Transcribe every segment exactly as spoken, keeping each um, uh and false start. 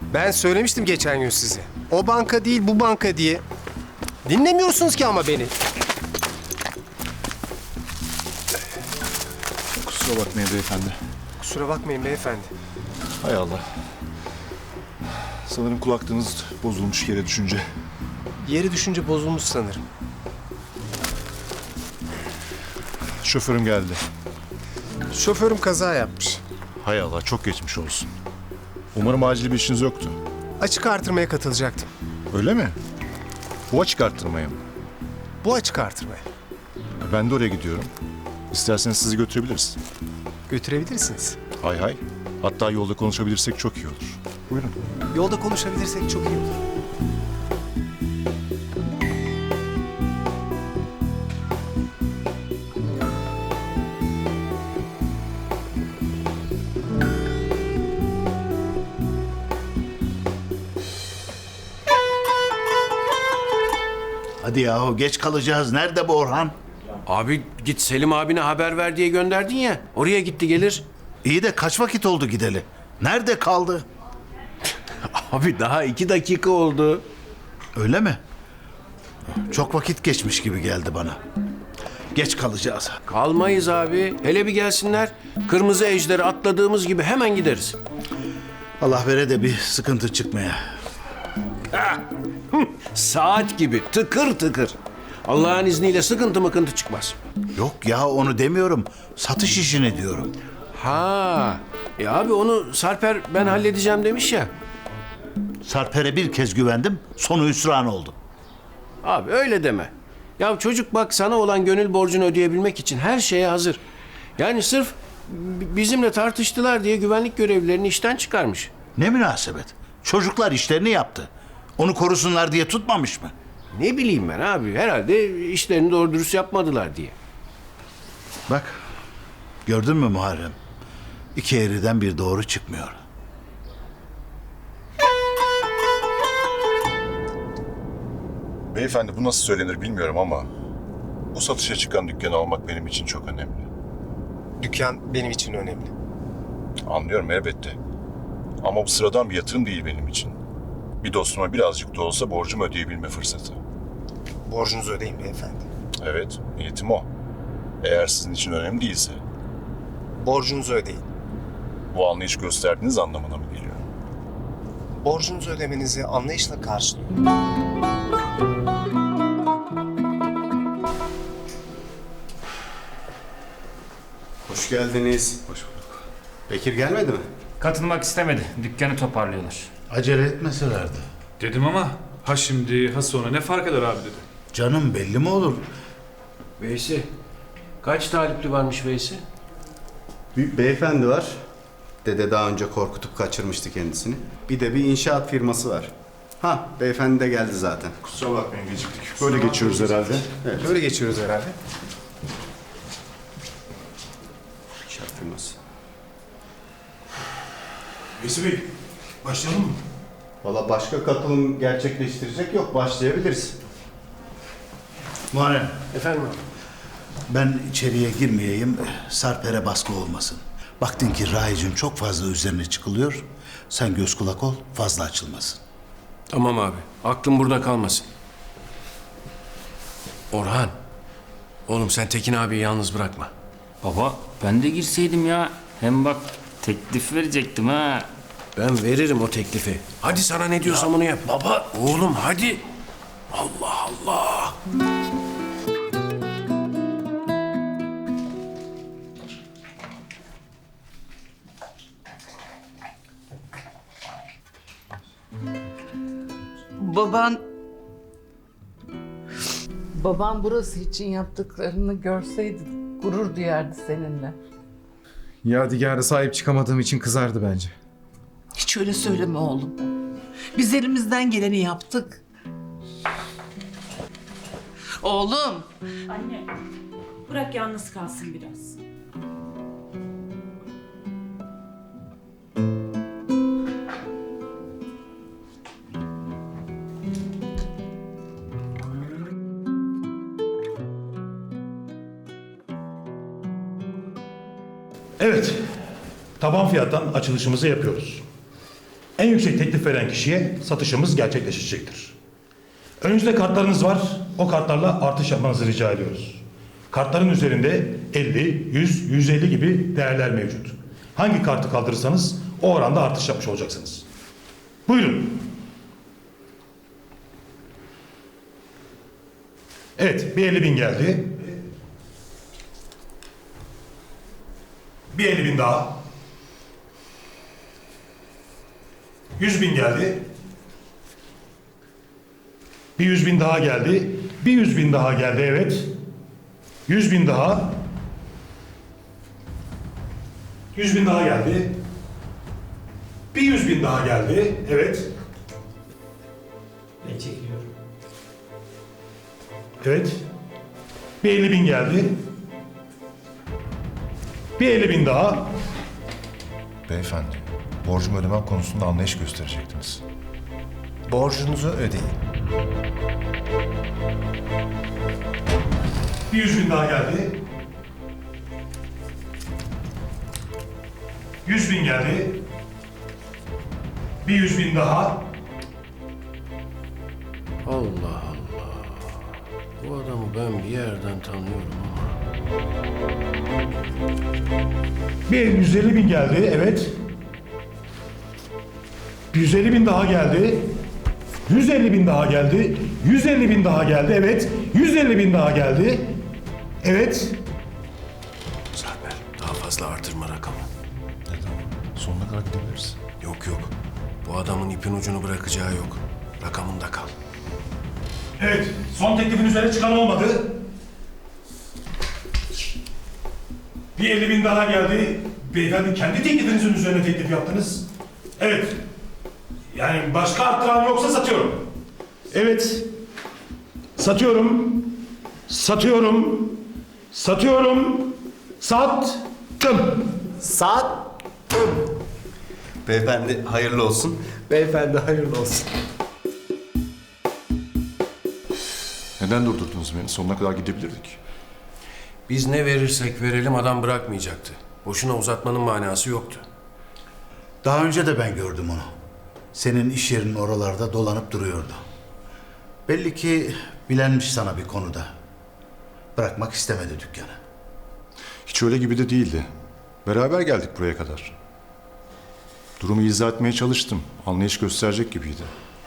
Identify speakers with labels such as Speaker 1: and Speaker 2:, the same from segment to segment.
Speaker 1: Ben söylemiştim geçen gün size. O banka değil bu banka diye. Dinlemiyorsunuz ki ama beni.
Speaker 2: Kusura bakmayın beyefendi.
Speaker 1: Kusura bakmayın beyefendi.
Speaker 2: Hay Allah. Sanırım kulaklığınız bozulmuş yere düşünce.
Speaker 1: Yeri düşünce bozulmuş sanırım.
Speaker 2: Şoförüm geldi.
Speaker 1: Şoförüm kaza yapmış.
Speaker 2: Hay Allah, çok geçmiş olsun. Umarım acil bir işiniz yoktu.
Speaker 1: Açık artırmaya katılacaktım.
Speaker 2: Öyle mi? Bu açık arttırmaya mı?
Speaker 1: Bu açık artırmaya.
Speaker 2: Ben de oraya gidiyorum. İsterseniz sizi götürebiliriz.
Speaker 1: Götürebilirsiniz.
Speaker 2: Hay hay. Hatta yolda konuşabilirsek çok iyi olur. Buyurun.
Speaker 1: Yolda konuşabilirsek çok iyi olur.
Speaker 3: Hadi yahu geç kalacağız. Nerede bu Orhan?
Speaker 4: Abi git Selim abine haber ver diye gönderdin ya. Oraya gitti gelir.
Speaker 3: İyi de kaç vakit oldu gideli? Nerede kaldı?
Speaker 4: Abi daha iki dakika oldu.
Speaker 3: Öyle mi? Çok vakit geçmiş gibi geldi bana. Geç kalacağız.
Speaker 4: Kalmayız abi. Hele bir gelsinler. Kırmızı ejderi atladığımız gibi hemen gideriz.
Speaker 3: Allah vere de bir sıkıntı çıkmaya.
Speaker 4: Saat gibi tıkır tıkır. Allah'ın izniyle sıkıntı mıkıntı çıkmaz.
Speaker 3: Yok ya onu demiyorum. Satış işini diyorum.
Speaker 4: Ha, e abi onu Sarper ben halledeceğim demiş ya.
Speaker 3: Sarper'e bir kez güvendim. Sonu hüsran oldu.
Speaker 4: Abi öyle deme. Ya çocuk bak sana olan gönül borcunu ödeyebilmek için her şeye hazır. Yani sırf b- bizimle tartıştılar diye güvenlik görevlilerini işten çıkarmış.
Speaker 3: Ne münasebet. Çocuklar işlerini yaptı. Onu korusunlar diye tutmamış mı?
Speaker 4: Ne bileyim ben abi herhalde işlerini doğru dürüst yapmadılar diye.
Speaker 3: Bak. Gördün mü Muharrem? İki eğriden bir doğru çıkmıyor.
Speaker 2: Beyefendi, bu nasıl söylenir bilmiyorum ama bu satışa çıkan dükkanı almak benim için çok önemli.
Speaker 1: Dükkan benim için önemli.
Speaker 2: Anlıyorum elbette. Ama bu sıradan bir yatırım değil benim için. Bir dostuma birazcık da olsa borcumu ödeyebilme fırsatı.
Speaker 1: Borcunuzu ödeyin beyefendi.
Speaker 2: Evet, niyetim o. Eğer sizin için önemli değilse,
Speaker 1: Borcunuzu ödeyin.
Speaker 2: bu anlayış gösterdiğiniz anlamına mı geliyor?
Speaker 1: Borcunuzu ödemenizi anlayışla karşılıyorum.
Speaker 5: Hoş geldiniz. Hoş bulduk. Bekir gelmedi mi?
Speaker 6: Katılmak istemedi. Dükkanı toparlıyorlar.
Speaker 3: Acele etmeselerdi.
Speaker 7: Dedim ama ha şimdi ha sonra ne fark eder abi dedi.
Speaker 3: Canım belli mi olur?
Speaker 4: Veysi, kaç talipli varmış Veysi?
Speaker 5: Bir beyefendi var. Dede daha önce korkutup kaçırmıştı kendisini. Bir de bir inşaat firması var. Ha, beyefendi de geldi zaten.
Speaker 2: Kusura bakmayın, geciktik. Böyle geçiyoruz herhalde.
Speaker 1: Böyle geçiyoruz herhalde.
Speaker 5: İnşaat firması.
Speaker 2: Veysi Bey, başlayalım mı?
Speaker 5: Valla başka katılım gerçekleştirecek yok. Başlayabiliriz.
Speaker 3: Muharrem,
Speaker 4: Efendim abi?
Speaker 3: ben içeriye girmeyeyim, Sarper'e baskı olmasın. Baktın ki Raic'in çok fazla üzerine çıkılıyor, sen göz kulak ol, fazla açılmasın.
Speaker 4: Tamam abi. Aklım burada kalmasın. Orhan. Oğlum sen Tekin abiyi yalnız bırakma.
Speaker 6: Baba ben de girseydim ya. Hem bak teklif verecektim ha.
Speaker 4: Ben veririm o teklifi. Hadi sana ne diyorsam onu yap. Baba. Oğlum hadi. Allah Allah.
Speaker 8: Baban
Speaker 9: Babam burası için yaptıklarını görseydi gurur duyardı seninle.
Speaker 10: Yadigar'a sahip çıkamadığım için kızardı bence.
Speaker 8: hiç öyle söyleme oğlum. Biz elimizden geleni yaptık. Oğlum.
Speaker 11: Anne, bırak yalnız kalsın biraz.
Speaker 12: Evet, taban fiyattan açılışımızı yapıyoruz. En yüksek teklif veren kişiye satışımız gerçekleşecektir. Önünüzde kartlarınız var. O kartlarla artış yapmanızı rica ediyoruz. Kartların üzerinde elli, yüz, yüz elli gibi değerler mevcut. Hangi kartı kaldırırsanız o oranda artış yapmış olacaksınız. Buyurun. Evet, bir elli bin geldi. Bir elli bin daha. Yüz bin geldi. Bir yüz bin daha geldi. Bir yüz bin daha geldi, evet. Yüz bin daha. Yüz bin daha geldi. Bir yüz bin daha geldi, evet.
Speaker 6: Ben çekiliyorum.
Speaker 12: Evet. Bir elli bin geldi. Bir elli bin daha.
Speaker 2: Beyefendi, borcumu ödemem konusunda anlayış gösterecektiniz.
Speaker 1: Borcunuzu ödeyin.
Speaker 12: Bir yüz bin daha geldi. Yüz bin geldi. Bir yüz bin daha.
Speaker 4: Allah Allah. Bu adamı ben bir yerden tanıyorum ama.
Speaker 12: Bir yüz elli bin geldi, evet. yüz elli bin daha geldi. yüz elli bin daha geldi. yüz elli bin daha geldi, evet. yüz elli bin daha geldi. Evet.
Speaker 4: Sarper, daha fazla artırma rakamı.
Speaker 2: Neden? Sonuna kadar gidebiliriz.
Speaker 4: Yok yok. Bu adamın ipin ucunu bırakacağı yok. Rakamında kal.
Speaker 12: Evet, son teklifin üzerine çıkan olmadı. Bir elli bin daha geldi. Beyefendi kendi teklifinizin üzerine teklif yaptınız. Evet. Yani başka arttıran yoksa satıyorum. Evet. Satıyorum. Satıyorum. Satıyorum. Sattım.
Speaker 5: Saat. Beyefendi hayırlı olsun.
Speaker 1: Beyefendi hayırlı olsun.
Speaker 2: Neden durdurdunuz beni? Sonuna kadar gidebilirdik.
Speaker 4: Biz ne verirsek verelim adam bırakmayacaktı. Boşuna uzatmanın manası yoktu.
Speaker 3: Daha önce de ben gördüm onu. Senin iş yerinin oralarda dolanıp duruyordu. Belli ki bilenmiş sana bir konuda. Bırakmak istemedi dükkanı.
Speaker 2: Hiç öyle gibi de değildi. Beraber geldik buraya kadar. Durumu izah etmeye çalıştım. Anlayış gösterecek gibiydi.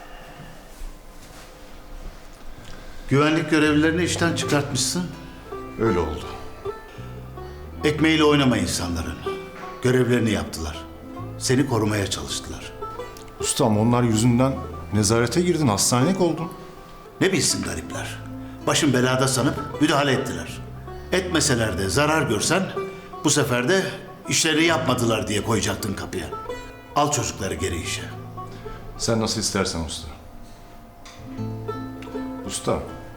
Speaker 3: Güvenlik görevlilerini işten çıkartmışsın.
Speaker 2: Öyle oldu.
Speaker 3: Ekmeğiyle oynama insanların. Görevlerini yaptılar. Seni korumaya çalıştılar.
Speaker 2: Ustam onlar yüzünden nezarete girdin, hastanelik oldun.
Speaker 3: Ne bilsin garipler. Başın belada sanıp müdahale ettiler. Etmeseler de zarar görsen bu sefer de işleri yapmadılar diye koyacaktın kapıya. Al çocukları geri işe.
Speaker 2: Sen nasıl istersen usta. Usta.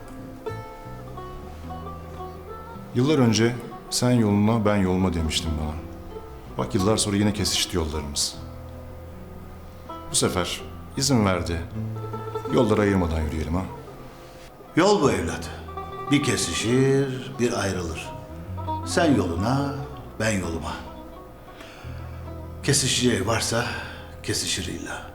Speaker 2: Yıllar önce sen yoluna ben yoluma demiştin bana. Bak yıllar sonra yine kesişti yollarımız. Bu sefer izin verdi. Yolları ayırmadan yürüyelim ha.
Speaker 3: Yol bu evlat. Bir kesişir, bir ayrılır. Sen yoluna, ben yoluma. Kesişeceği varsa kesişir illa.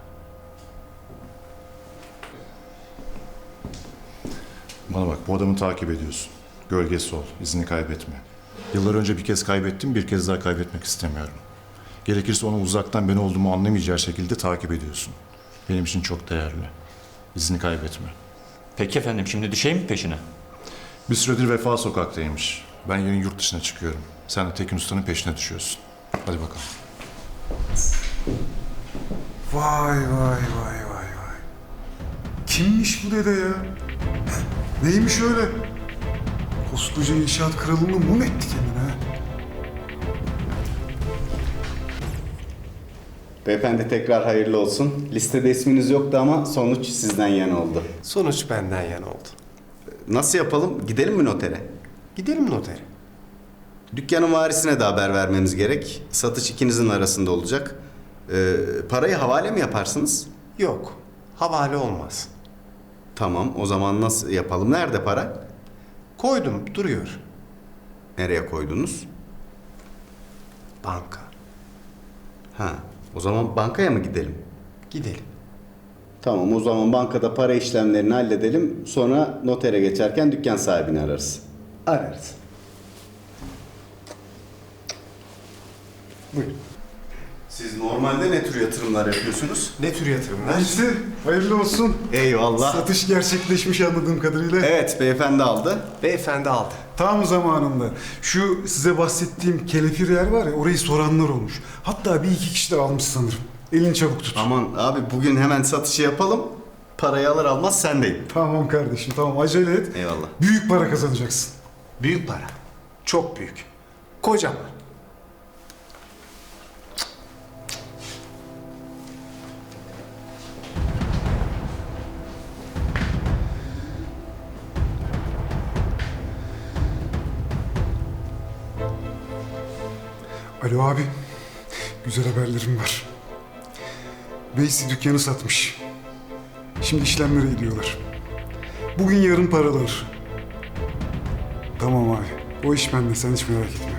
Speaker 2: Bana bak bu adamı takip ediyorsun. Gölgesi ol, izini kaybetme. Yıllar önce bir kez kaybettim, bir kez daha kaybetmek istemiyorum. Gerekirse onu uzaktan ben olduğumu anlamayacağı şekilde takip ediyorsun. Benim için çok değerli. İzini kaybetme.
Speaker 6: Peki efendim, şimdi düşeyim mi peşine?
Speaker 2: Bir süredir Vefa sokaktaymış. Ben yarın yurt dışına çıkıyorum. Sen de Tekin Usta'nın peşine düşüyorsun. Hadi bakalım.
Speaker 10: Vay vay vay vay vay. Kimmiş bu dede ya? Neymiş öyle? Koskoca inşaat kralını mum etti kendine.
Speaker 5: Beyefendi tekrar hayırlı olsun. Listede isminiz yoktu ama sonuç sizden yana oldu.
Speaker 1: Sonuç benden yana oldu.
Speaker 5: Nasıl yapalım? Gidelim mi notere?
Speaker 1: Gidelim notere.
Speaker 5: Dükkanın varisine de haber vermemiz gerek. Satış ikinizin arasında olacak. Ee, parayı havale mi yaparsınız?
Speaker 1: Yok. Havale olmaz.
Speaker 5: Tamam, o zaman nasıl yapalım? Nerede para?
Speaker 1: Koydum duruyor.
Speaker 5: Nereye koydunuz?
Speaker 1: Banka.
Speaker 5: Ha, o zaman bankaya mı gidelim?
Speaker 1: Gidelim.
Speaker 5: Tamam, o zaman bankada para işlemlerini halledelim. Sonra notere geçerken dükkan sahibini ararız.
Speaker 1: Ararız. Buyurun.
Speaker 5: Siz normalde ne tür yatırımlar yapıyorsunuz?
Speaker 1: Ne tür yatırımlar?
Speaker 10: Neyse, hayırlı olsun.
Speaker 5: Eyvallah.
Speaker 10: Satış gerçekleşmiş anladığım kadarıyla.
Speaker 5: Evet, beyefendi aldı.
Speaker 1: Beyefendi aldı.
Speaker 10: Tam zamanında. Şu size bahsettiğim kelepir yer var ya, orayı soranlar olmuş. Hatta bir iki kişi de almış sanırım. Elini çabuk tut.
Speaker 5: Aman abi, bugün hemen satışı yapalım. Parayı alır almaz sendeyim.
Speaker 10: Tamam kardeşim, tamam, acele et.
Speaker 5: Eyvallah.
Speaker 10: Büyük para kazanacaksın.
Speaker 1: Büyük para. Çok büyük. Kocaman.
Speaker 10: Alo abi, güzel haberlerim var. Veysi dükkanı satmış. Şimdi işlemlere gidiyorlar. Bugün yarın paralar. Tamam abi, o iş bende, sen hiç merak etme.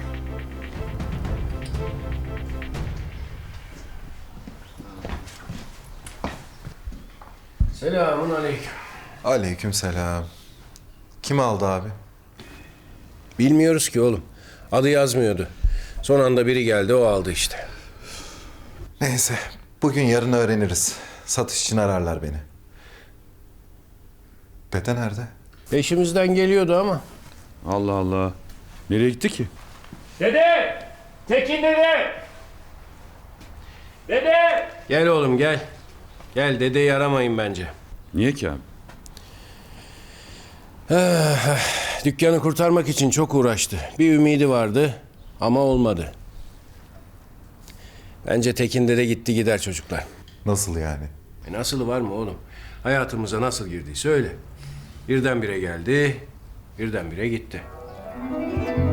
Speaker 4: Selamun aleyküm.
Speaker 13: Aleykümselam. Kim aldı abi?
Speaker 4: Bilmiyoruz ki oğlum. Adı yazmıyordu. Son anda biri geldi, o aldı işte.
Speaker 13: Neyse, bugün yarın öğreniriz. Satış için ararlar beni. Dede nerede?
Speaker 4: Peşimizden geliyordu ama.
Speaker 7: Allah Allah. Nereye gitti ki?
Speaker 6: Dede! Tekin dede! Dede!
Speaker 4: Gel oğlum gel. Gel, dedeyi aramayın bence.
Speaker 7: Niye ki abi?
Speaker 4: Dükkanı kurtarmak için çok uğraştı. Bir ümidi vardı ama olmadı. Bence Tekin dede gitti gider çocuklar.
Speaker 13: Nasıl yani?
Speaker 4: E nasılı var mı oğlum? Hayatımıza nasıl girdiyse öyle. Birdenbire geldi, birdenbire gitti.